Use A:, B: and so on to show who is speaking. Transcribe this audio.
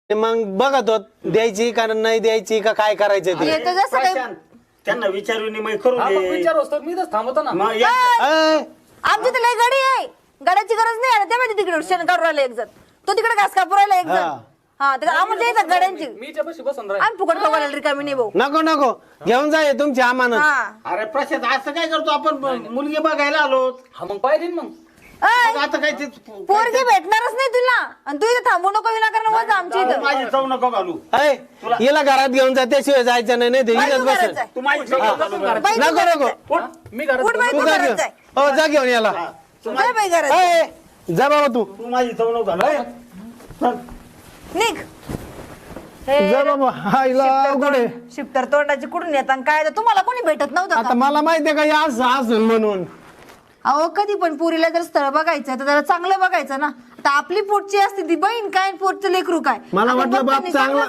A: मग बघत होत द्यायची का नाही द्यायची का काय करायचं ते.
B: येतं जसं काही
C: त्यांना विचारून मी करून दे.
D: विचार असतो मी तर थांबवतो ना.
C: मग या-
A: अय,
B: आमची तर लय गडी आहे, गड्याची गरज नाही आहे. ते माहिती तिकडे शेण काढून राहिला एक जण, तो तिकडे घास कापून राहिला एक जण.
A: हा.
B: हा तर आम्हाला येतात गड्यांची,
D: मी बशी बसून राहील.
B: आम्ही फुकट बघायला रिकामी नाही भाऊ.
A: नको नको घेऊन जा हे तुमची अमानत.
B: हा
C: अरे प्रशांत असं काय करतो आपण मुलगी बघायला आलो
D: हा मग पाहिजे ना मग.
B: अय,
C: आता काय ते
B: पोरगी भेटणारच नाही तुला आणि तू इथे थांबू नको विनाकारण वजा आमच्या इथं.
C: माझी चव नको घालू
A: अय हिला घरात घेऊन जा त्याशिवाय जायचं नाही. नाही ते
B: बाई,
A: हिलाच
B: तू
A: बसेल.
B: घरात जाय.
C: तू माझी चव नको घालू घरात.
B: बाई, तू
A: नको
B: घरात
A: नको
B: जाय.
D: उठ, मी घरात
B: उठ बाई,
A: तू
B: तू
A: जा
B: घरात
A: घेऊन
B: जाय.
A: हो जा घेऊन याला.
B: जाय बाई घरात जाय.
A: अय जा बाबा तू
C: तू माझी चव नको घालू. चल.
B: निघ.
A: जा बाबा हायला अवघड
B: शिफ्टर तोंडाची कुठून येतात आणि काय तर तुम्हाला कोणी भेटत नव्हतं
A: आता
B: का?
A: मला माहितीये का या असं असून म्हणून.
B: अहो कधी पण पुरीला जर स्थळ बघायचं तर जरा चांगलं बघायचं ना. आता आपली पोटची असते ती बहीण काय पोटचं लेकरू काय.
A: मला
B: आपण
A: वाटलं बाप
B: बघताना
A: चांगला